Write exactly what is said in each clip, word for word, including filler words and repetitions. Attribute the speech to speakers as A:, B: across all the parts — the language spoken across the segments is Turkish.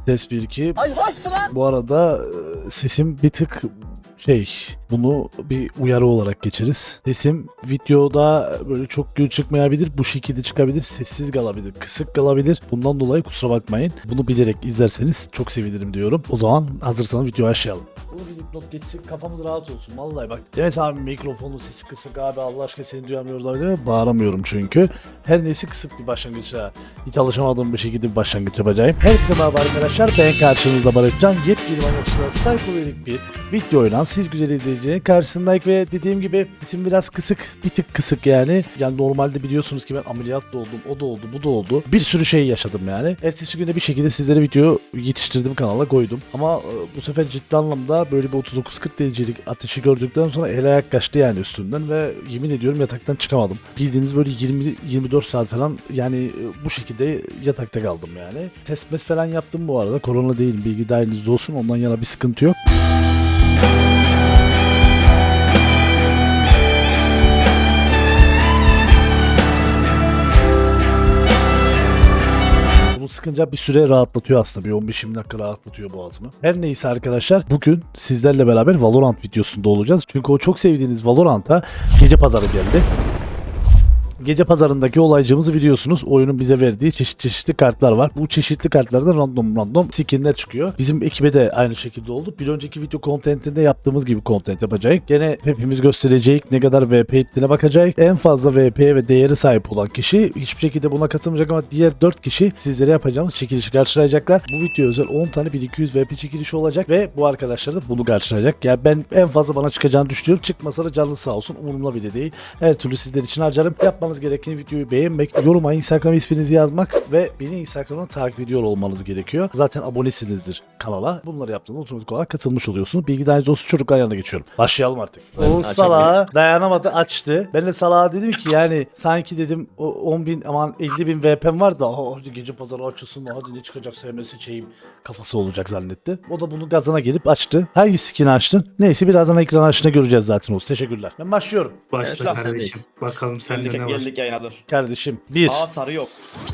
A: Ses bir iki. Ay hoştu lan. Bu arada e, sesim bir tık şey, bunu bir uyarı olarak geçeriz. Sesim videoda böyle çok gür çıkmayabilir, bu şekilde çıkabilir, sessiz kalabilir, kısık kalabilir. Bundan dolayı kusura bakmayın. Bunu bilerek izlerseniz çok sevinirim diyorum. O zaman hazırsanız videoya başlayalım. Bunu bir dipnot geçsin, kafamız rahat olsun. Vallahi bak. Demet abi mikrofonu sesi kısık abi, Allah aşkına seni duyamıyoruz abi diye bağıramıyorum çünkü. Her neyse kısık bir başlangıça, hiç alışamadığım bir şekilde bir başlangıç yapacağım. Herkese merhaba arkadaşlar, ben karşınızda Barışcan. Yepyeni amaçla saykolik bir video oynan siz güzel izleyicilerin karşısındayım ve dediğim gibi sesim biraz kısık, bir tık kısık yani. Yani normalde biliyorsunuz ki ben ameliyat da oldum, o da oldu, bu da oldu. Bir sürü şey yaşadım yani. Ertesi günde bir şekilde sizlere video yetiştirdim, kanala koydum. Ama bu sefer ciddi anlamda böyle bir otuz dokuz kırk derecelik ateşi gördükten sonra el ayak kaçtı yani üstümden ve yemin ediyorum yataktan çıkamadım. Bildiğiniz böyle yirmi yirmi dört saat falan yani bu şekilde yatakta kaldım yani. Test mes falan yaptım bu arada. Korona değil, bilgi dahilinizde olsun, ondan yana bir sıkıntı yok. Sıkınca bir süre rahatlatıyor aslında. Bir on beş yirmi dakika rahatlatıyor boğazımı. Her neyse arkadaşlar, bugün sizlerle beraber Valorant videosunda olacağız. Çünkü o çok sevdiğiniz Valorant'a gece pazarı geldi. Gece pazarındaki olaycımızı biliyorsunuz. Oyunun bize verdiği çeşit çeşitli kartlar var. Bu çeşitli kartlardan random random skinler çıkıyor. Bizim ekibe de aynı şekilde oldu. Bir önceki video contentinde yaptığımız gibi content yapacağız. Gene hepimiz göstereceğiz, ne kadar V P ettiğine bakacağız. En fazla V P ve değeri sahip olan kişi hiçbir şekilde buna katılmayacak ama diğer dört kişi sizlere yapacağımız çekilişi karşılayacaklar. Bu video özel on tane bin iki yüz V P çekilişi olacak ve bu arkadaşlar da bunu karşılayacak. Yani ben en fazla bana çıkacağını düşünüyorum. Çıkmasa da canlı sağ olsun, umurumda bile değil. Her türlü sizler için harcarım. Yapmanız gereken videoyu beğenmek, yoruma Instagram isminizi yazmak ve beni Instagram'dan takip ediyor olmanız gerekiyor. Zaten abonesinizdir kanala. Bunları yaptığınızda otomatik olarak katılmış oluyorsunuz. Bilgi dahiliniz olsun, çocuklar yanına geçiyorum. Başlayalım artık. O salağa dayanamadı, açtı. Ben de salağa dedim ki yani sanki dedim o on bin aman elli bin V P'm var da hadi gece pazarı açılsın, hadi ne çıkacak sevmesi seçeyim kafası olacak zannetti. O da bunu gazına gelip açtı. Hangi skin'i açtın? Neyse birazdan ekran açtığında göreceğiz zaten olsun. Teşekkürler. Ben başlıyorum.
B: Başla
C: Evet,
B: kardeşim. Bakalım sende
C: Geldik,
B: ne var?
C: geldik yayına dur.
A: Kardeşim bir.
C: Aa sarı yok.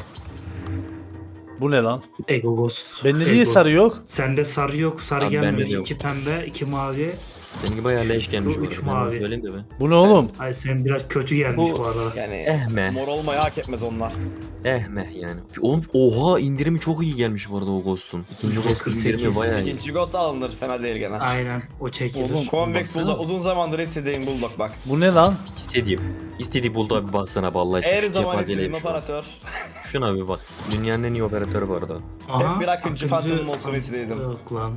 A: Bu ne lan?
B: Ego Ghost.
A: Bende
B: Ego.
A: niye sarı yok?
B: Sende sarı yok. Sarı
D: Abi bende
B: gelmemiş.
D: de yok.
B: İki pembe, iki mavi.
D: Seninki bayağı leş gelmiş
B: Bu
D: bu
B: üç
D: arada. Ben onu
B: mavi.
D: söyleyeyim de be.
A: Bu ne oğlum?
B: Ay sen biraz kötü gelmiş bu,
C: Bu
B: arada.
C: yani
D: Eh me.
C: mor olmayı hak etmez onlar.
D: Eh me yani. Oğlum oha, indirimi çok iyi gelmiş bu arada o Ghost'un. İkinci
B: yüzde
D: Ghost'un
B: kırk
D: indirimi
B: sekiz.
D: bayağı iyi.
C: İkinci ghost alınır, fena değil gene.
B: Aynen o çekilir.
A: Oğlum,
C: Convex
D: baksana.
C: Bulldog uzun zamandır istediğim Bulldog bak.
A: Bu ne lan?
D: İstediğim. İstediği buldu abi, baksana vallahi.
C: Her
D: şu
C: zaman
D: kepazeleri
C: istediğim
D: şu an.
C: operatör.
D: Şuna bir bak. Dünyanın en iyi operatörü bu arada.
B: Aha,
C: Hep bir akıncı Phantom'um olsun istedim.
B: Yok lan.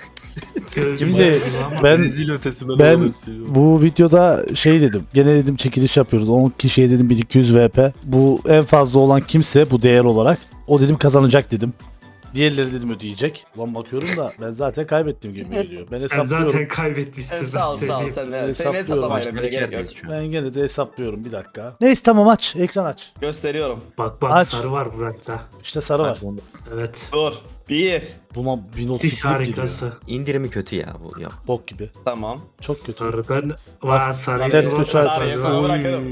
A: Şimdi ben
D: ötesi
A: ben bu videoda şey dedim. Gene dedim çekiliş yapıyoruz. on kişiye dedim bin iki yüz V P. Bu en fazla olan kimse bu değer olarak o dedim kazanacak dedim. Diğerleri dedim ödeyecek. Ulan bakıyorum da ben zaten kaybettim gibi geliyor. Ben
B: Sen
A: hesaplıyorum.
B: zaten kaybetmişsin.
C: Sen sağ ol sağ ol
B: söyleyeyim.
C: sen de. Seni
A: Hesaplıyorum.
C: hesaplamayla bile
D: Başka
C: gerek yok.
D: yerdeyiz şu an.
A: Ben gene de hesaplıyorum bir dakika. Neyse tamam, aç. Ekran aç.
C: Gösteriyorum.
B: Bak bak
A: Aç.
B: sarı var Burak'ta.
A: İşte sarı var.
B: Evet.
C: Dur. Bir.
A: Buna bin otuz
B: Diş
A: iki geliyor.
B: harikası.
D: İndirimi kötü ya bu ya.
A: Bok gibi.
C: Tamam.
A: Çok kötü.
B: Sarıdan. Vaa sarıyı
A: Ters
B: sıvı
A: köşe
B: sarı.
C: Sarıya sana
A: Oy.
C: bırakırım.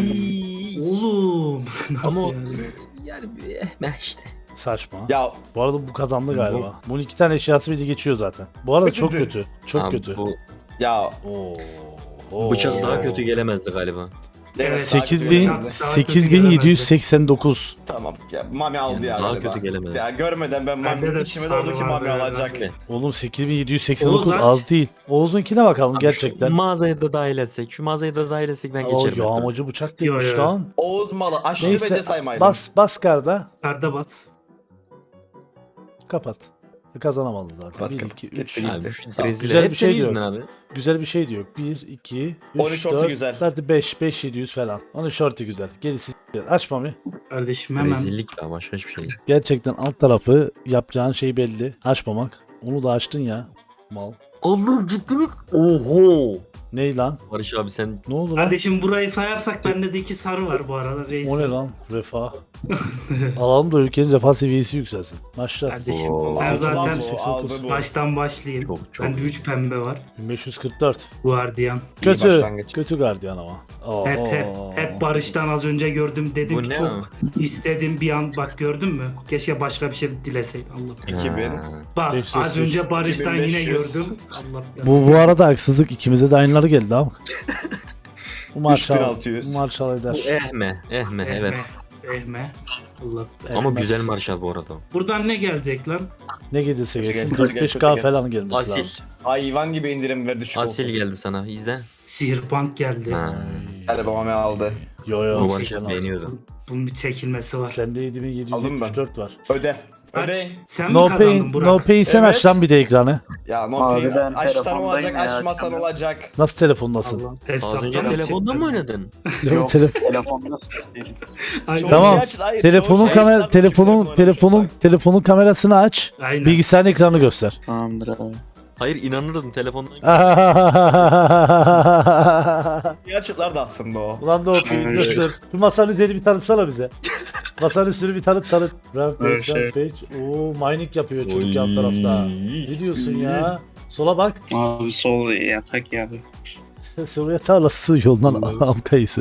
B: Oğlum. Nasıl
D: Ama
B: yani?
D: yani eh me işte.
A: Saçma.
C: Ya
A: Bu arada bu kazandı galiba. Bunun iki tane eşyası bile geçiyor zaten. Bu arada çok
C: Kötü.
A: kötü. Çok
D: Abi
A: kötü.
D: Bu
C: ya.
A: Oo. Oo.
D: bıçak daha kötü gelemezdi galiba.
C: Evet,
A: sekiz bin
C: daha kötü
A: sekiz bin yedi yüz seksen dokuz.
C: Tamam. Ya, Mami aldı
D: Yani
C: ya
D: daha
C: galiba.
D: kötü gelemedi.
C: Ya görmeden ben
B: Bende
C: Mami
B: de
C: içime
B: sarı
C: doldu ki
B: var
C: Mami
B: böyle
C: alacak.
D: bende.
A: Oğlum sekiz bin yedi yüz seksen dokuz
B: Oğuz aç.
A: az değil. Oğuz'unkine bakalım
D: Abi
A: gerçekten.
D: Şu mağazayı da dahil etsek. Şu mağazayı da dahil etsek ben
A: O
D: geçerim. hatta.
A: yağmacı bıçak
B: Yo,
A: demiş
B: yo.
A: lan.
C: Oğuz malı aşırı
A: Neyse
C: bence saymaydım.
A: bas bas karda.
B: Karda bas.
A: Kapat. Kazanamadı zaten.
C: Kapat,
A: bir,
C: kapat.
A: iki,
C: Gitti,
A: üç.
C: gitti.
D: Abi şu
C: Sağ ol.
D: rezil.
A: Güzel bir
D: Hep
A: şey
D: senin
A: diyor.
D: yüzünden abi.
A: Güzel bir şey diyor. bir, iki,
C: on
A: üç,
C: üç shorty
A: dört.
C: güzel.
A: Hadi beş, beş yedi yüz falan. on üç shorty güzel. Gerisi s**ler. Aç Mami.
B: Kardeşim hemen.
D: Rezillik ya, başka hiçbir şey değil.
A: Gerçekten alt tarafı yapacağın şey belli. Açmamak. Onu da açtın ya. Mal.
D: Allah'ım ciddi misin? Oho.
A: Ney lan?
D: Barış abi sen
A: Ne oldu lan?
B: Kardeşim burayı sayarsak bende de iki sarı var bu arada reis.
A: O ne lan? Refah. Alalım da ülkenin refah seviyesi yükselsin. Başlat.
B: Kardeşim
D: Oo.
B: ben
C: Aldı
B: zaten
C: bu, aldı bu.
B: baştan başlayayım.
D: Çok, çok
B: Bende üç pembe var.
A: bin beş yüz kırk dört.
B: Guardian.
A: Kötü.
C: başlangıç.
A: Kötü gardiyan ama. Oo.
B: Hep hep hep Barış'tan az önce gördüm dedim
D: Bu
B: ki
D: ne
B: çok
D: o?
B: istedim bir an bak gördün mü? Keşke başka bir şey dileseydim Allah.
C: iki bin.
D: Ha.
B: Bak
A: beş yüz,
B: az önce Barış'tan yine
C: iki bin beş yüz.
B: gördüm. Allah
A: Bu bu arada haksızlık ikimize de aynıları geldi ama. Bu marşal,
C: üç bin altı yüz.
A: bu marşal eder.
D: Bu ehme, ehme evet.
B: Ehme. Allah.
D: Ama
A: Etmez.
D: güzel marşal bu arada.
B: Buradan ne gelecek lan?
A: Ne gelirse
C: Kötü
A: gelsin
C: gel, kötü
A: kırk beş
C: gel,
A: K
C: kötü gel.
A: falan gelmesi
D: Asil.
A: lazım.
C: Hayvan gibi indirim ver düşük
D: Asil
C: olsun.
D: geldi sana. İzle.
B: Sihirbank geldi.
D: Ha.
C: Hadi babam aldı.
A: Yo yo.
D: Bu
A: sen
D: marşal
A: al.
D: beğeniyordu.
B: Bunun bir çekilmesi var.
A: Sende yedi bin yedi yüz yetmiş dört var.
C: Öde.
B: Kaç?
C: Öde.
B: Sen mi
A: No
B: kazandın
A: pain,
B: Burak?
A: no pain sen
C: Evet.
A: aç lan bir de ekranı.
C: Ya no
E: Abi
C: pain.
E: ben
C: Açsan
E: telefondayım
C: olacak,
E: ya,
C: açmasan
E: açamıyorum.
C: olacak.
A: Nasıl telefondasın?
B: Allah.
D: Az önce
B: Hesaptan
D: telefondan mı oynadın?
E: Yok
A: Telefon-
E: telefonda ses değil.
B: Aynen.
A: Tamam.
C: şey aç, hayır,
A: Telefonun
C: çoğu şey
A: kamera
C: açlar,
A: telefonun
C: küçük
A: telefonun
C: oynamışsak.
A: telefonun kamerasını aç.
B: Aynen.
A: Bilgisayarın ekranı göster.
E: Tamamdır abi.
D: Hayır inanırdım telefondan.
C: İyi açıklar da aslında o.
A: Ulan da okuyun dur dur. Şu masanın üzerini bir tanıtsana bize. Masanın üstünü bir tanıt tanıt. Rampage,
E: Evet, şey.
A: Rampage. Oo mining yapıyor çocuk yan tarafta. Ne diyorsun ya? Sola bak.
E: Abi sol yatak ya abi.
A: Sola tarlası yoldan am kayısı.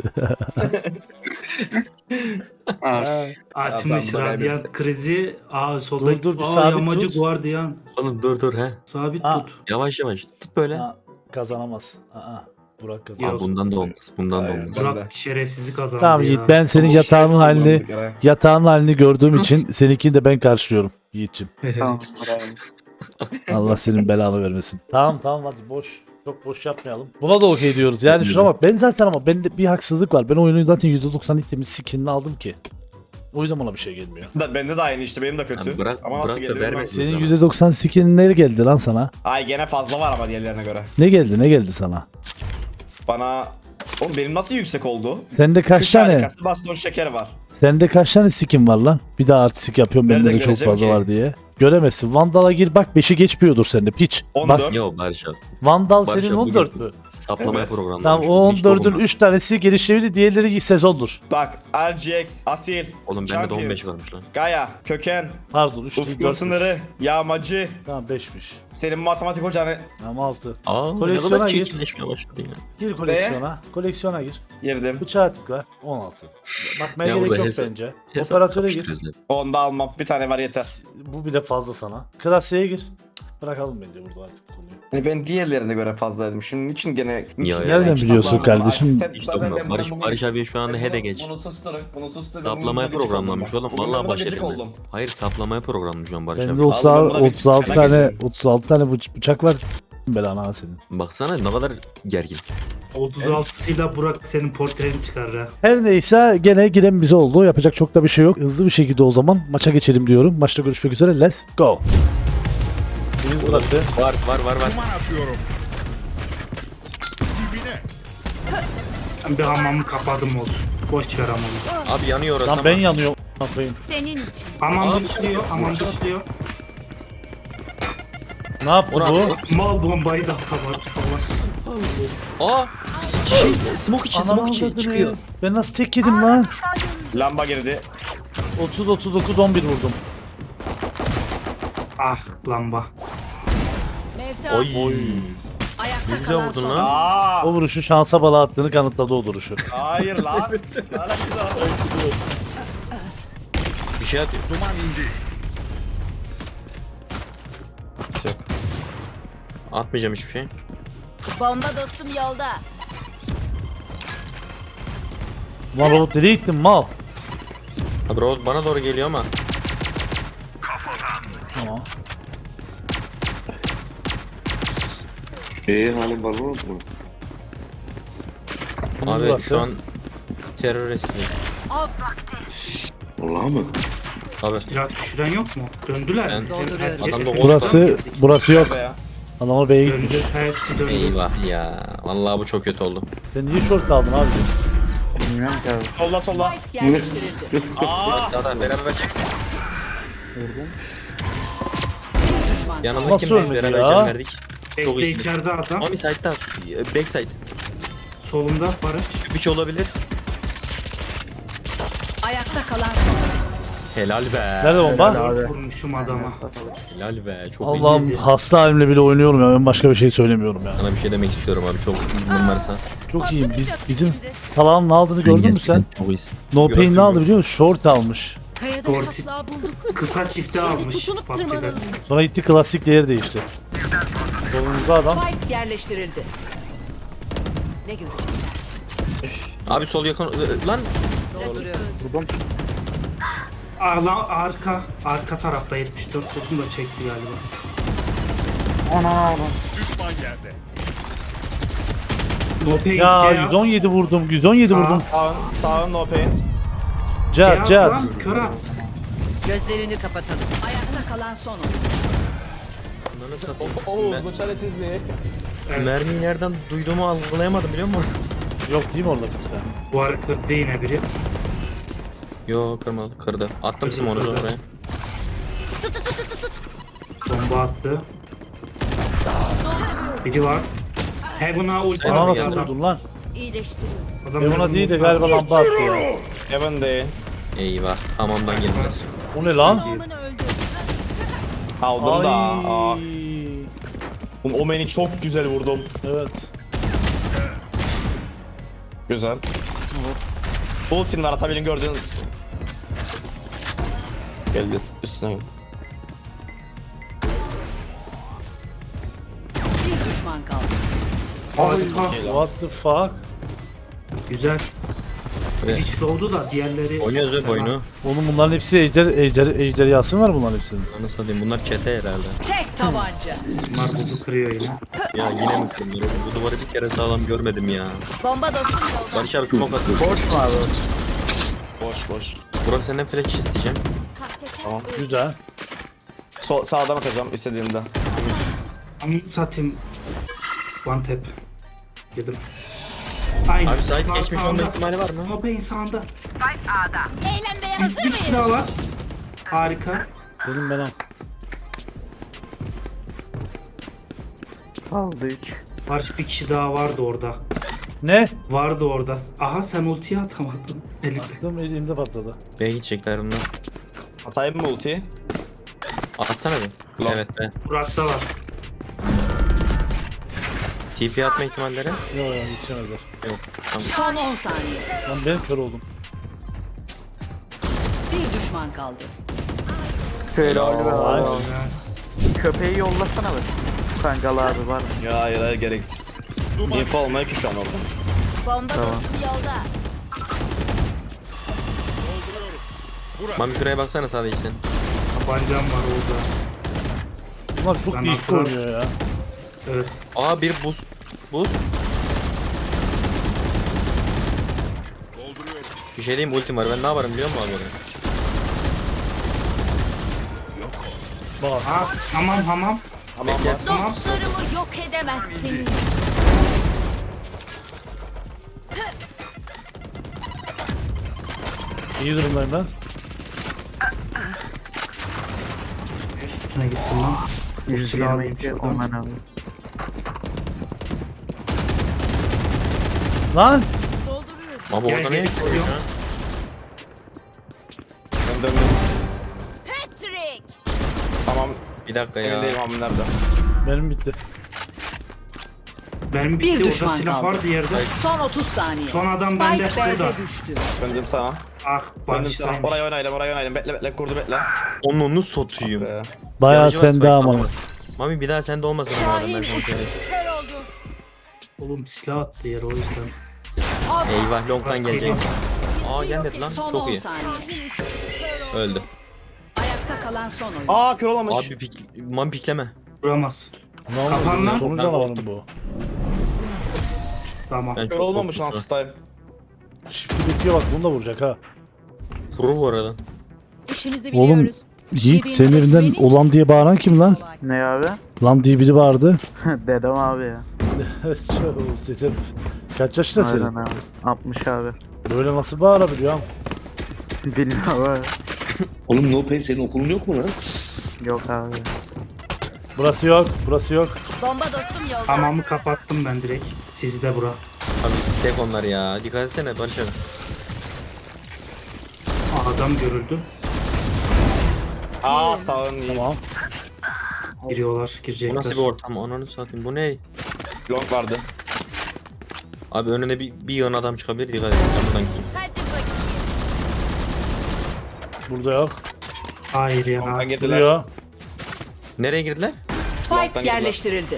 E: Abi.
B: Açmış
C: Adam da
B: radyant krizi. Aa solda.
A: Dur, dur, bir
B: Aa,
A: sabit
B: yamacı
A: tut.
B: guardiyan.
D: Oğlum dur dur he.
B: Sabit
A: Ha.
B: tut.
D: Yavaş yavaş. Tut böyle.
A: Ha, kazanamaz. Aa, Burak
D: Aa,
A: kazanamaz.
D: bundan da olmaz. Bundan da
C: Hayır.
D: olmaz.
C: Ben de.
B: Burak şerefsizi kazandı
A: Tamam
B: ya.
A: Yiğit ben senin
C: Ama
A: yatağın
C: şey
A: halini
C: kullandık ya.
A: yatağın halini gördüğüm için seninkini de ben karşılıyorum Yiğit'ciğim.
E: Tamamdır abi.
A: Allah senin belanı vermesin. Tamam tamam hadi boş. Çok boş yapmayalım. Buna da okey diyoruz. Yani şuna bak ben zaten ama bende bir haksızlık var. Ben oyunun zaten yüzde doksan temiz skinini aldım ki. O yüzden bana bir şey gelmiyor.
C: Da- Bende de aynı işte, benim de kötü.
D: Yani bırak-
C: ama nasıl
D: bırak da
C: geldi bilmem.
D: vermesin.
A: Senin
D: Sana.
A: yüzde doksan skinin ne geldi lan sana?
C: Ay gene fazla var ama diğerlerine göre.
A: Ne geldi ne geldi sana?
C: Bana... Oğlum benim nasıl yüksek oldu?
A: Sende kaç
C: Kış
A: tane?
C: harikası, baston şeker var.
A: Sende kaç tane skin var lan? Bir daha artistik yapıyorum bende
C: Nereden
A: de çok
C: göreceğim
A: fazla
C: ki?
A: var diye. Göremezsin. Vandal'a gir bak beşi geçmiyordur sende piç.
C: on
A: Bak
C: dört.
D: Yok Barış abi.
A: Vandal
D: Barış
A: senin
D: abi
A: on dört
D: bugün
A: mü?
D: Saplamaya
C: Evet.
D: programlanmış.
A: Tamam o
D: Bunu
A: on
D: hiç
A: dördün
D: dokunma.
A: üç tanesi gelişebilir diğerleri sezondur.
C: Bak R G X, Asil,
D: Oğlum bende de
C: Champions,
D: on beş varmış lan.
C: Gaia, Köken,
A: Pardon üç değil
C: Ufkun
A: dörtmüş.
C: Sınırı, Yağmacı,
A: Tamam beşmiş.
C: senin matematik hocanı
A: Tamam altı.
D: Aa ne
A: Koleksiyona
D: kadar
A: gir.
D: çirkinleşmeye başladı ya.
A: Gir koleksiyona. Koleksiyona gir.
C: girdim.
A: Bıçağa tıkla. on altı. Bakmaya
D: Ya
A: gerek
D: burada
A: yok
D: hesap-
A: bence.
D: Hesap
A: Operatöre gir.
D: kapıştırıyoruz hep.
C: Onu da almam. Bir tane var yeter.
A: Bu bile fazla sana. Klasiğe gir. Bırakalım bence burada artık konuyu.
C: Yani ben diğerlerine göre fazlaydım. Şimdi niçin gene... niçin
D: Ya,
C: gene
A: nereden
C: hiç
A: biliyorsun
C: saplanmadım?
A: kardeşim?
C: Abi, sen-
D: İşte
C: ben-
D: bunlar.
C: ben-
D: Barış,
C: ben bunu-
D: Barış abi şu anda
C: ben
D: hede
C: bunu-
D: geç.
C: Bunu susturun. Bunu susturun.
D: Saplamaya
C: Bugün gıcık
D: programlanmış
C: oldum
D: oğlum.
C: ben.
D: Vallahi
C: Bugün
D: baş
C: gıcık
D: edilmez.
C: oldum.
D: Hayır saplamaya programlanmış şu an Barış
A: Bende
D: abi.
A: otuz
C: Aldım,
A: altı,
C: buna bir
A: otuz altı
C: fena
A: tane
C: geçelim.
A: otuz altı tane bıç- bıçak var. S- belanı ha senin.
D: Baksana ne kadar gergin.
B: otuz altısıyla Burak senin portreni çıkar ha.
A: Her neyse gene giren bize oldu. Yapacak çok da bir şey yok. Hızlı bir şekilde o zaman maça geçelim diyorum. Maçta görüşmek üzere. Let's go. Birimiz burası.
D: Var var var var.
B: Ben bir hamamı kapadım olsun. Boş ver hamamı.
D: Abi yanıyor orası
A: Lan
D: ama.
A: ben yanıyorum. a**ayım.
F: Senin için.
B: Hamam
D: Abi,
B: dışlıyor, hamam dışlıyor.
A: Ne yaptı
D: Orhan,
A: bu?
B: Mal bombayı da atamadı salak.
D: Aa! Şey, smoke içi, smoke içi
A: avradını.
D: çıkıyor.
A: Ben nasıl tek yedim lan?
C: Lamba girdi.
A: otuz otuz dokuz on bir vurdum.
B: Ah lamba.
F: Mevta.
D: Oy.
F: Ayakta
D: Ne güzel
F: kalan
D: vurdun
F: son.
D: lan.
C: Aa!
A: O vuruşu şansa bala attığını kanıtladı o duruşu.
C: Hayır lan. Ne alakası var?
D: Bir şey atıyor.
C: Yok.
D: Atmayacağım hiçbir şey.
F: Bomba dostum yolda.
A: Lan robot nereye gittin mal?
D: Abi robot bana doğru geliyor ama.
A: Tamam.
G: Eee hani balon mu?
A: Bunun
D: Abi
A: burası.
D: şu an terörist.
G: Vallahi mı?
D: Abi
B: Silah düşüren yok mu? Döndüler mi?
D: Ben-
B: Her- her-
D: Adam da
B: hepsi
A: Burası
B: döndü.
A: burası yok.
C: Be ya.
A: Adama B'ye gitmiş.
B: Döndü. Hepsi döndü.
D: eyvah ya. Vallahi bu çok kötü oldu.
A: Sen niye short kaldın abi?
E: Bilmiyorum ki abi.
C: Solla solla.
F: Spike yerleştirildi.
C: Aa!
D: Sağdan beraber çık.
A: Nasıl
D: Yanındaki kim?
A: ölmedi
D: Beraber
A: ya?
D: can verdik. Çok
B: Bekle
D: iyisiniz.
B: içeride adam.
D: Mami side'da. Backside.
B: Solunda Barış.
D: Üç olabilir.
F: Ayakta kalan son.
D: Helal be.
A: Nerede bomba?
B: Dört vurmuşum adama.
D: Helal be. Çok
A: Allah'ım
B: iyiydi.
A: hasta halimle bile oynuyorum ya. Ben başka bir şey söylemiyorum ya.
D: Sana bir şey demek istiyorum abi. Çok iznin varsa.
A: Çok iyiyim. Biz bizim Talağın ne aldığını gördün mü sen?
D: Çok iyisin.
A: No
D: Gördüm,
A: Pain ne aldı
D: gördüm.
A: biliyor musun? Short almış.
F: Kayada
B: Doğru.
F: taslağı bulduk.
B: Kısa çifte almış
F: tutunup
B: P U B G'de.
F: tırmanalım.
A: Sonra gitti klasik değeri değişti. Solumuzda adam.
F: Spike yerleştirildi. Ne görecekler?
D: Abi sol yakın. Lan.
F: Dolduruyorum.
B: Aa, lan arka. Arka tarafta yetmiş dört vurdum da çekti galiba.
E: Ana ana.
B: No pain.
A: Ya
B: Cihat.
A: yüz on yedi vurdum. yüz on yedi
B: Sağ.
A: vurdum.
C: Sağın, sağın no pain.
A: Cihat
B: Cihat
A: Cihat.
B: lan, kör at.
F: Gözlerini kapatalım. Ayakta kalan son oyun.
D: Ananı satayım.
C: Oğuz bu çaresiz mi?
B: Evet.
D: Mermiyi nereden duyduğumu algılayamadım biliyor musun?
A: Yok değil mi orada kimse?
B: Bu arada kırdı yine biri.
D: Yo kırmadı kırdı. Attım Simon'u oraya.
B: Bomba attı. Biri var. Heaven'a ulti
D: Sen
A: Bana
B: attı
A: nasıl
B: adam.
A: vurdun lan?
F: İyileştiriyorum.
B: Adam
A: Ben ona
B: Heaven'a
A: değil de
B: ulti
A: galiba
B: attı.
A: lamba attı ya.
C: Heaven değil.
D: Eyvah. Hamamdan geldiler.
A: O ne lan?
C: Aldım da. Aa.
A: Ay.
C: Oğlum, O meni çok güzel vurdum.
A: Evet.
C: Güzel. Ultim var atabilin gördüğünüz. Geldi üstüne. gel.
F: Bir düşman kaldı.
B: Harika.
A: What the fuck?
B: Güzel.
D: Evet.
B: Hiç oldu da diğerleri...
D: Oynuyoruz hep oyunu.
A: Oğlum bunların hepsi ejder, ejder, ejderhası mı var bunların hepsinin?
D: Ananı satayım. Bunlar çete herhalde.
F: Tek tabanca.
B: Bunlar buzu kırıyor yine.
D: Ya yine mi kırmıyor? Bu duvarı bir kere sağlam görmedim ya.
F: Bomba dostum yolda.
D: Barış abi smoke attı.
E: Boş mu abi?
C: Boş boş.
D: Burak senden flash isteyeceğim.
C: Tamam.
A: Güzel.
C: Sol, sağdan atacağım istediğimde.
B: Ama satayım. One tap. Yedim. Aynen.
D: Abi sahip
B: Sağ
D: geçmiş
B: sağında.
D: olma ihtimali var mı?
B: No pain sağında.
F: Eğlenmeye
B: Bir,
F: hazır
B: bir kişi
F: mıyız?
B: daha var. Harika.
A: Benim benim.
E: Aldı üç.
B: Barış bir kişi daha vardı orada.
A: Ne?
B: Vardı orada. Aha sen ultiyi atamadın. Elinde.
A: Attım elimde patladı.
D: B'ye gidecekler bunlar.
C: Atayım mı ultiyi?
D: Atsana bir.
C: Lan.
D: Evet be.
B: Burak'ta var.
D: T P atma ihtimalleri?
A: Yok ya yetişemediler.
D: Yok. Tamam.
F: Son on saniye.
A: Lan ben kör oldum.
F: Bir düşman kaldı.
E: Şöyle abi abi.
A: Nice.
E: Köpeği yollasana be. Kangal abi var mı?
C: Ya hayır hayır gereksiz. Info olmuyor ki şu an orada.
F: Bomba dostum yolda.
D: Mami şuraya baksana sağda iyisin.
B: Tabancam var orada.
A: Bunlar çok
B: Ben
A: değişik
B: aklı-
A: oynuyor ya.
B: Evet.
D: Aa bir boost. Boost. Bir şey diyeyim ultim var. Ben ne yaparım biliyor musun abi?
A: Bak.
B: Ha, hamam hamam.
C: Tamam
D: Bekle.
C: bak.
B: Tamam.
F: Dostlarımı yok edemezsin.
A: İyi durumdayım ben.
B: Üstüne gittim lan. Bu silahı alayım
E: yüz yirmi iki
B: şuradan.
E: Omen abi.
A: Lan!
D: Ama
B: Gel,
D: orada
B: gel,
D: ne yapıyor
B: geliyor.
D: şu an?
C: Ben döndüm.
F: Patrick.
C: Tamam.
D: Bir dakika
C: Emin
D: ya.
C: değilim abi nerede.
A: Benim bitti.
B: Benim
F: Bir
B: bitti. Orada
F: düşman
B: silah
F: kaldı.
B: vardı yerde.
F: Son otuz saniye.
B: Son adam
F: Spike
B: bende,
F: B'de
B: burada.
F: düştü.
C: Döndüm sana.
B: Ah
C: Döndüm sana.
B: Barış'taymış.
C: Oraya oynayalım oraya oynayalım. Bekle bekle kurdu bekle.
D: Onun onu satayım.
C: Be.
A: Bayağı
D: Yarıcı var,
A: sende
D: spike
A: ama.
D: var. Mami bir daha sende olmasın ama adam ben sana söyleyeyim.
B: Oğlum silah attı yere o yüzden.
D: Eyvah long'dan gelecek. Aa gelmedi lan.
F: Son
D: Çok
F: on
D: iyi.
F: saniye.
D: Öldü.
F: Ayakta kalan son oyun.
C: Aa kör olamamış.
D: Abi pik Mami pikleme.
B: Vuramaz.
A: Ne
B: Kapan
A: oldu?
B: lan.
A: Sonuç
D: Ben
A: canavarım
D: korktum.
A: bu.
B: Tamam.
D: Ben
C: Kör
D: çok
C: olmamış
D: korktum
C: lan
D: şu an.
C: style.
A: Shift'i bekliyor bak bunu da vuracak ha.
D: Vurur bu arada.
F: İşimizi
A: Oğlum
F: biliyoruz.
A: Yiğit senin evinden olan diye bağıran kim lan?
E: Ne abi?
A: Lan diye biri vardı.
E: Dedem abi ya.
A: Çok dedim. Kaç yaşında
E: Aynen
A: senin?
E: abi. altmış abi.
A: Böyle nasıl bağırabiliyor?
E: Bilmiyorum abi.
G: Oğlum No Pain senin okulun yok mu lan?
E: Yok abi.
A: Burası yok. Burası yok.
F: Bomba dostum yolda.
B: Hamamı kapattım ben direkt. Sizi de bura.
D: Abi stack onlar ya. Dikkat etsene Barış abi.
B: Adam görüldü.
C: Aa sağın iyi.
A: Tamam.
B: Giriyorlar,
D: Bu
B: girecekler.
D: nasıl bir ortam? Ananı satayım. Bu ne?
C: Long vardı.
D: Abi önüne bir, bir yığın adam çıkabilir. Dikkat et. Ben buradan gideyim.
F: Hadi bakayım.
A: Burada yok.
B: Hayır ya.
C: Long'dan girdiler.
A: Duruyor.
D: Nereye girdiler?
F: Spike
C: Long'dan girdiler.
F: yerleştirildi.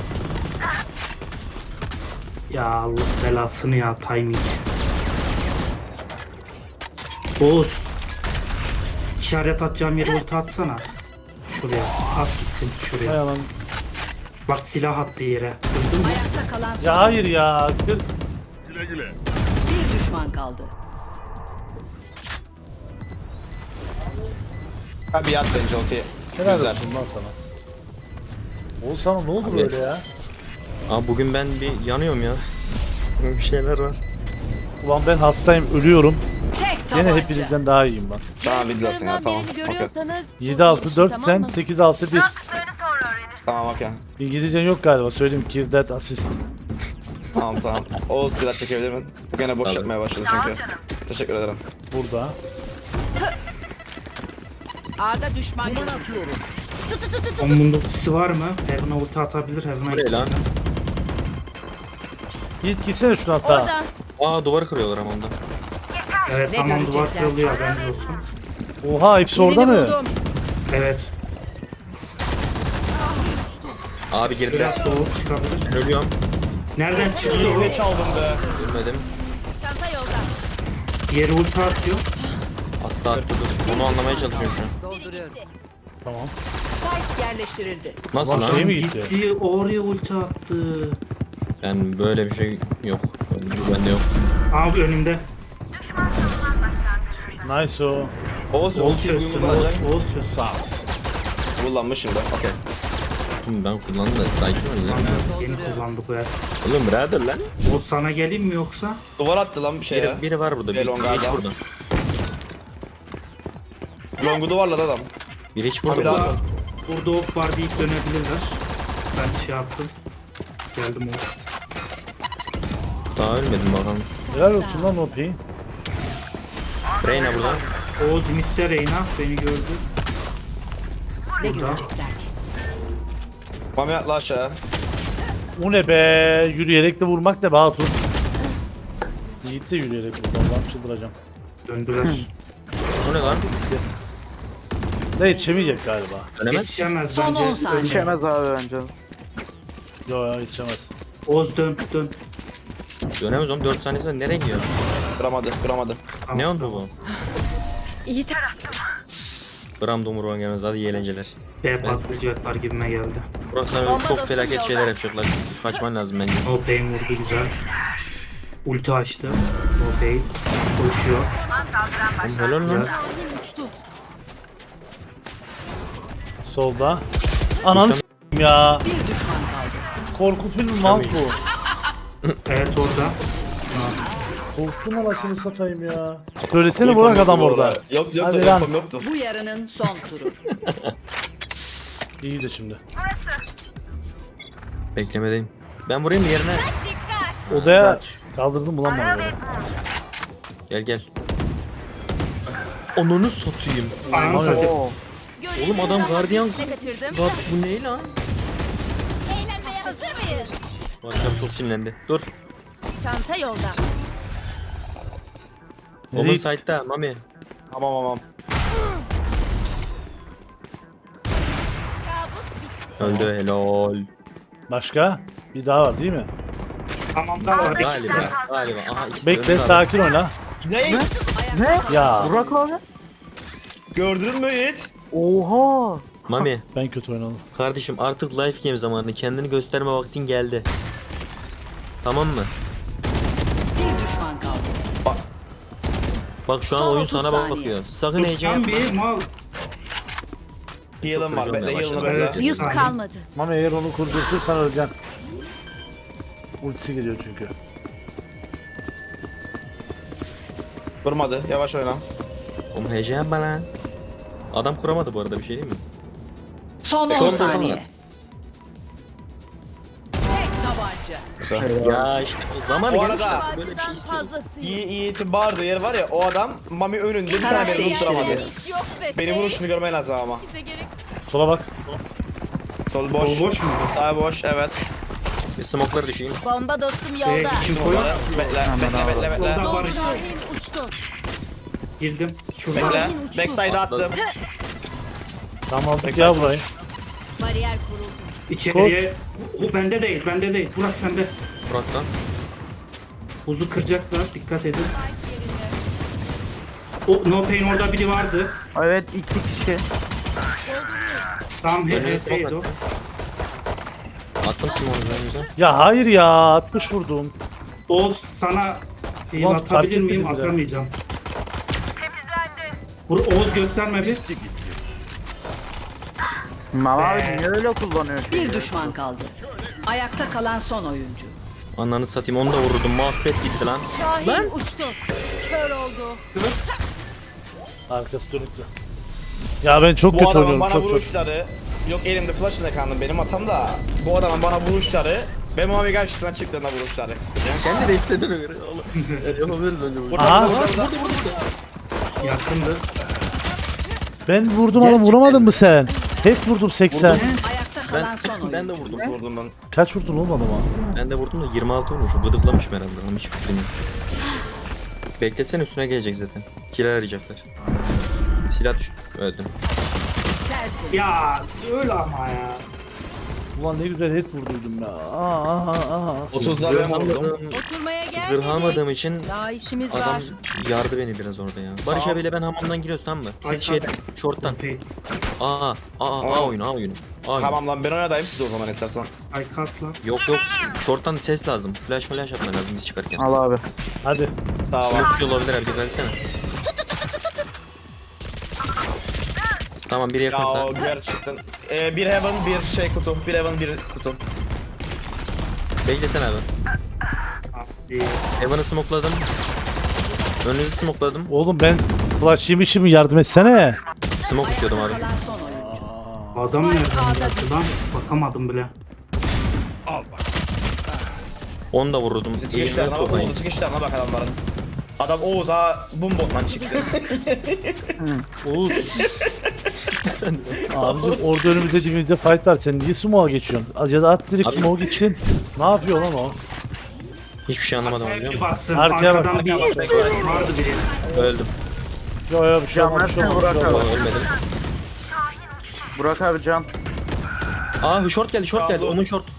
B: Ya Allah belasını ya timing. Oğuz. İşaret atacağım yere ulti atsana. Şuraya. At gitsin
A: Hay
B: şuraya.
A: aman.
B: Bak silah attığı yere. Duydun mu?
F: Ayakta kalan son.
A: Ya hayır ya. kırk.
F: Bir düşman kaldı.
C: Ha bir at bence ultiyi.
A: Helal
C: Güzel.
A: olsun lan sana. Oğuz sana ne oldu
D: Abi.
A: böyle ya?
D: Abi bugün ben bir yanıyorum ya. Bir şeyler var.
A: Ulan ben hastayım, ölüyorum.
F: Tek
A: Yine
F: tabanca.
A: hepinizden daha iyiyim ben.
C: Tamam videolasın ya tamam. Okey.
A: yedi altı dört sen, sekiz altı bir.
C: Tamam okey.
A: İngilizcen yok galiba, söyleyeyim. Kill that assist.
C: Tamam tamam. O silah çekebilir mi? Bu gene boş
D: Tabii.
C: yapmaya başladı çünkü. Teşekkür ederim.
A: Burada.
F: A'da düşman görüldü.
B: Onun ultisi var mı? Heaven'a ulti atabilir. Heaven'a
D: Bu ne lan?
A: Git gitsene şuna hatta.
D: Aa duvarı kırıyorlar ama ondan.
B: Evet
F: Ne
B: tamam duvar
F: görecekler?
B: kırılıyor haberiniz olsun.
A: Oha hepsi orada
F: Birini
A: mı?
F: buldum.
B: Evet.
D: Abi girdiler.
B: Biraz doğru çıkabilir.
D: Ben ölüyorum.
B: Nereden çıktı o?
C: Ne çaldım be?
D: Ölmedim.
F: Çanta yolda.
B: Yere ulti atıyor.
D: Attı attı dur. Onu anlamaya çalışıyorum şu an.
F: Dolduruyorum.
A: Tamam.
F: Spike yerleştirildi.
D: Nasıl
A: Ulan
D: lan?
A: şey mi gitti?
B: Gitti oraya ulti attı.
D: Ben böyle bir şey yok. Böyle bir şey bende yok.
B: Abi önümde.
A: Nice o.
C: Oğuz
B: Oğuz
C: ultiyi
B: çözsün.
C: kullanacak.
B: Oğuz, Oğuz çözsün.
C: Sağ ol. Kullanmış şimdi. Okey.
D: Şimdi ben kullandım da sakin ol lan.
B: Yeni kullandık bu yer.
D: Oğlum birader lan.
B: O sana geleyim mi yoksa?
C: Duvar attı lan bir şey ya.
D: Biri, biri var burada. Biri,
C: Elon
D: biri hiç
C: galiba.
D: burada.
C: Long'u duvarladı adam.
D: Biri hiç
C: Abi
D: burada.
C: rahat
B: Burada,
C: ol.
B: burada ok var deyip dönebilirler. Ben şey yaptım. Geldim Oğuz.
D: Daha ölmedim bakalım.
A: Helal olsun lan o peyin.
D: Reyna burada.
B: Oğuz midde Reyna beni gördü.
F: Ne
B: Burada.
F: görecekler?
C: Mami atla aşağı.
A: O ne be? Yürüyerek de vurmak ne be hatun? Yiğit de yürüyerek vurdu. Allah'ım çıldıracağım.
B: Döndüler.
D: Bu ne lan?
A: Ne yetişemeyecek galiba.
D: Dönemez.
B: Yetişemez
F: Son
B: bence.
F: on saniye.
B: Ölme.
E: Yetişemez abi bence.
A: Yo yo yetişemez.
B: Oğuz dön dön.
D: Dönemez oğlum. dört saniyesi var. Nereye gidiyor?
C: Kıramadı kıramadı.
B: Tamam,
D: Ne oldu
B: tamam.
D: bu?
F: İyi taraftım.
D: Gram dumurban gelmez. Hadi iyi eğlenceler.
B: B patlayacaklar gibime geldi.
D: Burası sana
F: Bomba
D: çok
F: dostum
D: felaket
F: yolda.
D: şeyler yapacaklar. Kaçman lazım bence.
B: No pain vurdu güzel. Ulti açtı. No pain. Koşuyor.
D: Oğlum helal lan.
B: Güzel.
A: Solda. Ananı s**eyim ya.
F: Bir düşman kaldı.
A: Korku filmi mal bu.
B: Evet orada.
A: Korktum anasını satayım ya. Söylesene Burak adam orada.
C: Yok yok
A: Hadi
C: yok
A: lan.
C: yoktu yoktu.
F: Bu yarının son turu.
A: İyi de şimdi.
D: Beklemedeyim. Ben vurayım mı yerine?
A: Odaya kaldırdım ulan bana böyle.
D: Gel gel. Onunu satayım.
B: Ananı satayım.
E: Oo.
D: Oğlum adam gardiyan.
F: kaçırdım.
D: Bak bu ne lan?
F: Eğlenmeye hazır mıyız?
D: Bu akşam çok sinirlendi. Dur.
F: Çanta yolda.
D: Onun
A: Nereye-
D: site'da Mami.
C: Tamam tamam.
D: Öldü helal.
A: Başka? Bir daha var değil mi?
B: Tamam da var. ikisi.
D: Galiba. Galiba. Aha ikisi de
A: Bekle
D: öldü
A: sakin oyna.
C: Ne?
E: Ne?
A: Ya
E: Burak abi.
C: Gördün mü Yiğit?
E: Oha.
D: Mami
A: ben kötü oynadım.
D: kardeşim artık life game zamanı. Kendini gösterme vaktin geldi. Tamam mı?
F: Bir düşman kaldı.
D: Bak şu an
F: Son
D: oyun
F: otuz
D: sana bak
F: saniye.
D: bakıyor. Sakın heyecan
B: Dostum
D: yapma.
B: bir mal.
C: Heal'ım var.
D: Çok
C: Bekle
D: özür
C: heal'ını
D: dilerim.
C: bekle.
B: Yük
F: Yük kalmadı.
A: Ama eğer onu kurdurtursan öleceksin. Ultisi geliyor çünkü.
C: Vurmadı. Yavaş oyna.
D: Oğlum heyecan yapma lan. Adam kuramadı bu arada bir şey değil mi?
F: Son
D: Son
F: on
D: bir
F: saniye.
D: falan.
F: olacak.
D: Ya işte zamanı
C: Bu
D: gelmiş.
C: arada-
D: Böyle bir şey istiyorum.
C: İyi Yiğit'in bağırdığı yer var ya, o adam Mami önünde bir tane
F: Karar
C: beni vurduramadı.
F: değiştirildi.
C: Beni vuruşunu görmen lazım ama.
A: Sola bak.
C: Sol boş.
B: Sol boş mu?
C: Sağ boş, evet.
D: Bir smoke'ları düşeyim.
F: Bomba dostum
B: Şey,
F: yolda.
B: kim koyar?
C: Bekle, bekle, bekle, bekle.
B: Solda Barış.
F: Uçtu.
B: Girdim. Şurada.
C: Bekle. Backside'a attım.
A: Tamam aldık ya burayı.
F: Bariyer kuruldu.
B: İçeriye. O bende değil, bende değil. Burak sende.
D: Burak lan.
B: Buzu kıracaklar. Dikkat edin. O No Pain orada biri vardı.
E: Evet iki kişi.
B: Tamam
D: Önüne
B: H S'ydi o.
D: smoke Attım smoke'u önümüze.
A: Ya hayır ya altmış vurdum.
B: O sana bir
A: Ulan fark
B: atabilir miyim?
A: etmedim bile.
B: Atamayacağım. Temizlendi. Oğuz gösterme bir.
E: Mama abi niye öyle kullanıyor?
F: Bir düşman kaldı. Ayakta kalan son oyuncu.
D: Ananı satayım onu da vururdum. Mousepad gitti lan.
F: Şahin uçtu. Kör oldu.
A: Arkası dönüktü. Ya ben çok
C: Bu
A: kötü
C: adamın
A: oynuyorum
C: bana
A: çok çok.
C: vuruşları, yok elimde flash'ına kandım benim hatam da. Bu adamın bana vuruşları ve Mami karşısına çıktığında vuruşları.
D: Kendi de istediğine göre oğlum. Yapabiliriz bence bunu.
C: Burada,
A: Aha.
C: burada, burada.
B: Yakındı.
A: Ben vurdum adam vuramadın mı sen? Hep vurdum seksen.
F: Ayakta kalan
D: Ben,
F: son oyuncu.
D: ben de vurdum.
C: Vurdum ben.
A: Kaç vurdun oğlum adama?
D: Ben de vurdum da yirmi altı olmuş. Gıdıklamışım herhalde. Ama hiç fikrim yok. Beklesene üstüne gelecek zaten. Kill arayacaklar. Silah düş. Öldüm.
F: Tertemiz.
B: Ya öyle ama ya.
A: Ulan ne güzel hep vurduydum ya. Aa, aha, aha.
C: otuzda ben vurdum.
F: Oturmaya gelmedik.
D: Zırh almadığım için
F: Daha işimiz
D: adam
F: var.
D: yardı beni biraz orada ya. Barış abiyle ben hamamdan giriyoruz tamam mı?
B: Ay,
D: Siz şeyden, short'tan.
B: Pain.
D: Aa, aa, aa, A oyunu, A oyunu. A oyunu.
C: Tamam lan ben oynadayım siz o zaman istersen.
B: Ay kalk lan.
D: Yok yok, short'tan ses lazım. Flash flash atman lazım biz çıkarken.
E: Al abi.
A: Hadi.
C: Sağ ol.
D: Smoke olabilir abi, dikkat etsene. Tamam biri
C: Ya
D: yakınsa.
C: o gerçekten. Ee, bir heaven bir şey kutu. Bir heaven bir kutu.
D: Beklesene abi.
B: İyi.
D: Evan'ı smokeladım. Önünüzü smokeladım.
A: Oğlum ben flash yemişim yardım etsene.
D: Smoke atıyordum abi.
F: Kalan son oyuncu.
B: Adam nereden
F: Spike
B: yaptı lan? Bakamadım bile.
D: Onu da vururdum.
C: Bizi
D: Elimden
C: çıkışlarına bak.
D: toplayın.
C: Oğuz'un çıkışlarına bak adamların. Adam Oğuz'a bombotla çıktı.
A: Oğuz. Abicim orada önümüzde dibimizde fight var. Sen niye smoke'a geçiyorsun? Ya da at direkt
D: Abi-
A: smoke gitsin. Ne yapıyor lan o?
D: Hiçbir şey anlamadım abi biliyor
B: Bir
D: musun?
B: baksın.
A: Arkaya bak.
B: Arkadan bir vardı biri.
D: Öldüm.
A: Yo yo bir şey olmaz. Bir şey olmaz. Bir şey
D: Ama
A: olmaz.
D: ölmedim.
E: Burak abi can.
D: Aa short geldi short geldi. Onun short.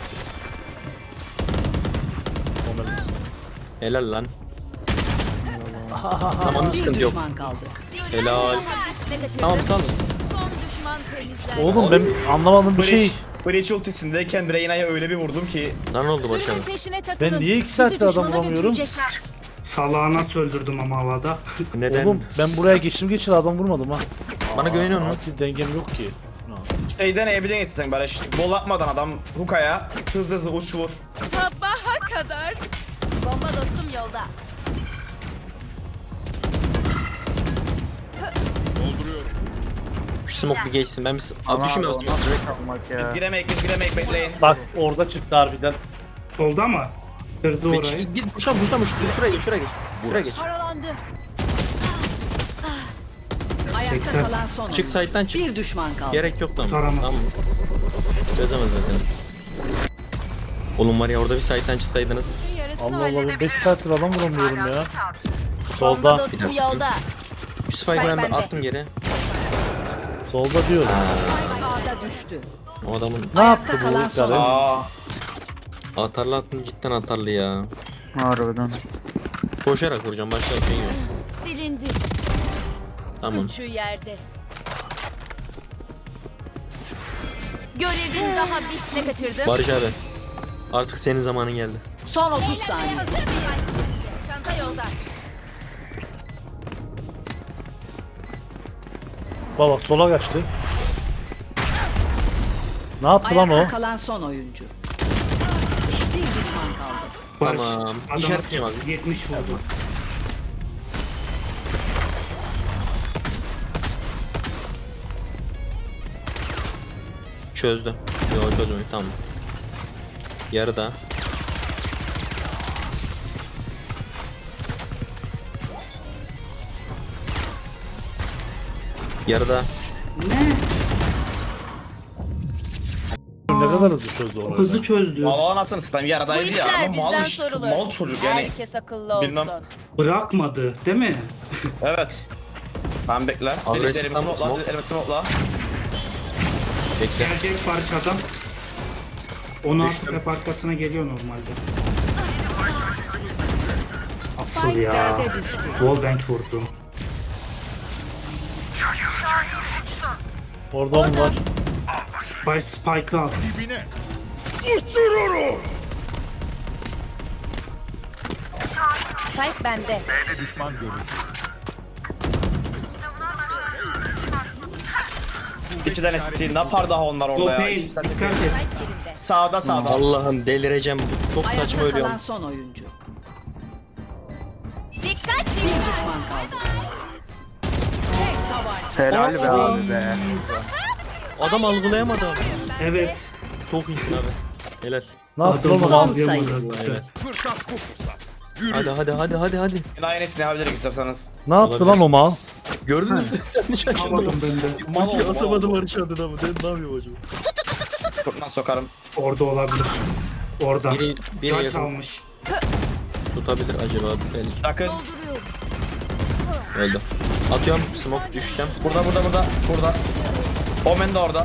D: Helal lan. Tamam
F: Bir
D: sıkıntı yok.
F: düşman kaldı.
D: Helal. Tamam sal.
A: Oğlum ben anlamadım bir şey.
C: Breach ultisindeyken Reyna'ya öyle bir vurdum ki.
D: Sana ne oldu Barış abi?
A: Ben niye iki saattir adam vuramıyorum?
B: Salağı nasıl öldürdüm ama havada.
D: Neden?
A: Oğlum ben buraya geçtim geçir adam vurmadım ha.
D: Bana güveniyor musun?
A: Ki dengem yok ki.
C: Şeyden eğbiden istedim Barış. Bol atmadan adam hukaya hızlı hızlı uç vur.
F: Sabaha kadar. Bomba dostum yolda.
D: Şu smoke bir geçsin. Ben bir... Abi düşünme
E: abi,
D: smoke.
E: o nasıl kalmak
C: Biz
E: ya.
C: giremeyiz biz giremeyiz bekleyin.
A: Bak orada çıktı harbiden.
B: Solda mı? Kırdı orayı.
D: Git git puşla puşla puşla. Şuraya geç şuraya geç. Şuraya geç.
F: Paralandı. Ayakta
B: seksen.
F: kalan son oyuncu.
D: Çık side'den çık.
F: Bir düşman kaldı.
D: Gerek yok tamam.
B: Taramaz.
D: Tamam. Çözemez zaten. Oğlum var ya orada bir side'den çıksaydınız.
A: Allah Allah ben beş saattir adam vuramıyorum ya.
F: Bomba
A: Solda.
F: dostum yolda.
D: Şu spike'ı ben bir attım geri.
A: Solda diyorum.
F: Ağda düştü.
D: O adamın
A: Ne yaptı
F: Ayakta kalan
A: bu
F: son
A: karı?
C: Aa,
D: atarlı attım cidden atarlı ya.
E: Harbiden.
D: Koşarak vuracağım başka bir şey yok.
F: Silindi.
D: Tamam.
F: Şu yerde. Görevin daha bitne kaçırdım.
D: Barış abi. Artık senin zamanın geldi.
F: Son otuz saniye. Çanta yolda.
A: Baba sola kaçtı. Ne yaptı lan o?
F: Ayakta kalan son oyuncu. Bir düşman kaldı.
B: Barış.
D: Tamam.
B: Adama
D: İşaretçiyim abi.
B: yetmiş vurdu.
D: Çözdü. Yok çözmüyor tamam. Yarıda. Yarıda.
B: Ne?
A: Ne kadar hızlı çözdü onu.
B: Hızlı çözdü.
C: Valla anasını satayım
G: Bu
C: yaradaydı ya
G: işler
C: ama mal,
G: bizden
C: iş-
G: sorulur.
C: mal çocuk yani.
G: Herkes akıllı olsun.
C: Bilmem.
B: Bırakmadı değil mi?
C: Evet. Tamam bekle.
D: Agresif
C: Elimi
D: tam
C: smokla,
D: smoke.
C: elimi smokla.
D: Bekle.
B: Gelecek Barış adam. on altı
D: Düştüm.
B: hep arkasına geliyor normalde. Asıl
F: Spike
B: ya.
F: B'de düştü.
B: Wallbang vurdu.
A: Orada mı var?
B: Bay Spike'ı al.
G: Spike bende.
C: İki tane city. Ne yapar daha onlar orada ya?
B: Lopein
C: İkisi de city.
B: dikkat et.
C: Sağda sağda.
D: Allah'ım delireceğim. Çok saçma
F: Ayakta
D: ölüyorum.
F: kalan son oyuncu.
G: Dikkat
F: Bir düşman kaldı.
E: Helal be abi be.
D: Adam algılayamadı abi.
B: Evet.
D: Çok iyisin abi. Helal.
A: Ne yaptın
B: Adam
A: oğlum?
F: Son
B: anlayamadı.
D: Helal. Hadi hadi hadi hadi hadi.
C: Aynı ne yapabiliriz isterseniz.
A: Ne yaptı lan o mal?
D: Gördün mü sen? Sen de şaşırdın.
B: Alamadım ben de.
C: Mal
D: Ulti
C: oldu,
D: atamadım
C: mal oldu.
D: Barış abi da mı? Ben ne yapıyorum acaba?
C: Kurtlan sokarım.
B: Orada olabilir. Orada.
D: Biri, biri
B: Can
D: yakın
B: çalmış.
D: tutabilir acaba belki.
C: Yakın.
D: Öldü. Atıyorum smoke düşeceğim.
C: Burada burada burada. Burada. Omen de orada.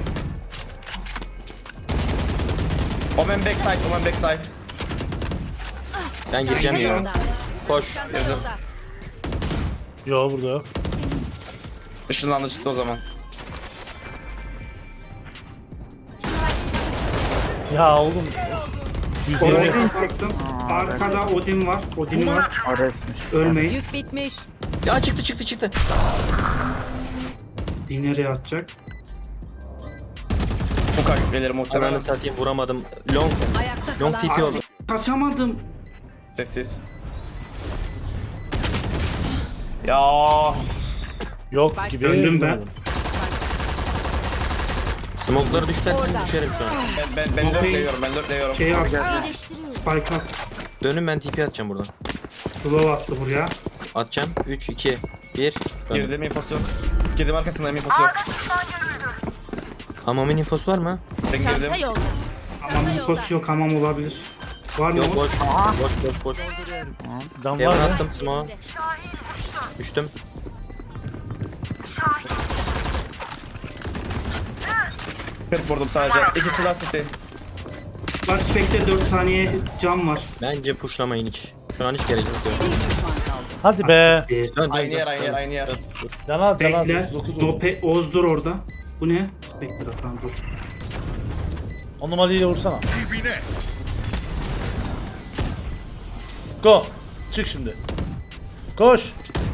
C: Omen backside, Omen backside.
D: Ben gireceğim ya. Koş.
A: Yo burada yok.
C: Işınlandı çıktı o zaman.
A: Ya oğlum. yüz yirmi.
B: Odin baktım. Arkada Odin var. Odin var.
E: Aresmiş.
B: Ölmeyin.
F: Yük bitmiş.
D: Ya çıktı çıktı çıktı.
B: Bir nereye atacak?
C: Bu kadar gelir muhtemelen.
D: Ananı satayım vuramadım. Long.
F: Ayakta
D: Long
F: kalan
D: T P oldu.
B: Kaçamadım.
C: Sessiz. Ya
A: Yok gibi.
B: Döndüm ben.
D: Smoke'ları düşersen düşerim şu an.
C: ben ben ben
B: Okey.
C: dörtleyiyorum, ben dörtleyiyorum.
B: Şeyi at.
G: iyileştiriyorum.
B: Spike at.
D: Dönün ben T P atacağım buradan.
B: Glove attı buraya.
D: Atacağım. üç, iki, bir.
C: Girdim infosu yok. Girdim arkasındayım infosu yok.
D: Hamamın infosu var mı?
C: Ben
G: Çanta
C: girdim.
G: yolda.
B: Hamam infosu yok. Hamam olabilir. Var mı?
D: Yok
B: o?
D: boş. Boş boş boş.
A: Can
D: Heaven
A: var mı?
D: attım smoke'a. Düştüm.
C: kırk vurdum sadece. İkisi daha city.
B: Bak Spectre dört saniye cam var.
D: Bence pushlamayın hiç. Şu an hiç gerek yok.
F: bir düşman kaldı.
A: Hadi be.
B: Ee,
D: Dön, dön,
C: Aynı
D: dön,
C: yer, aynı yer,
D: dön.
C: aynı yer.
D: Dön, dur.
A: Can al can al.
B: Bekle.
A: Dokuz vurdum.
B: Dope, Oz dur orada. Bu ne? Spectre atan dur.
A: On numarayla vursana. Go. Çık şimdi. Koş.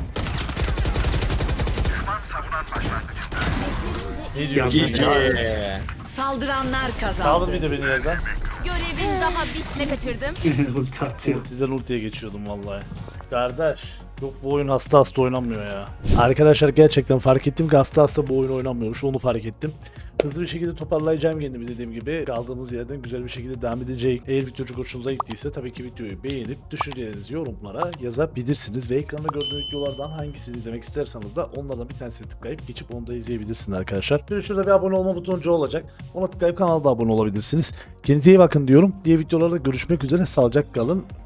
A: Ne diyorsun?
B: Ya,
A: ya?
F: Saldıranlar kazandı.
A: Kaldır bir de beni yerden.
G: Görevin daha bit. Ne kaçırdım?
B: Ulti atıyor.
A: Ultiden ultiye geçiyordum vallahi. Kardeş. Yok bu oyun hasta hasta oynanmıyor ya. Arkadaşlar gerçekten fark ettim ki hasta hasta bu oyun oynanmıyormuş. Onu fark ettim. Hızlı bir şekilde toparlayacağım kendimi dediğim gibi. Kaldığımız yerden güzel bir şekilde devam edeceğim. Eğer video çok hoşunuza gittiyse tabii ki videoyu beğenip düşüncelerinizi yorumlara yazabilirsiniz. Ve ekranda gördüğünüz videolardan hangisini izlemek isterseniz de onlardan bir tanesini tıklayıp geçip onu da izleyebilirsiniz arkadaşlar. Şöyle şurada bir abone olma butoncu olacak. Ona tıklayıp kanala da abone olabilirsiniz. Kendinize iyi bakın diyorum. Diğer videolarda görüşmek üzere. Sağlıcakla kalın.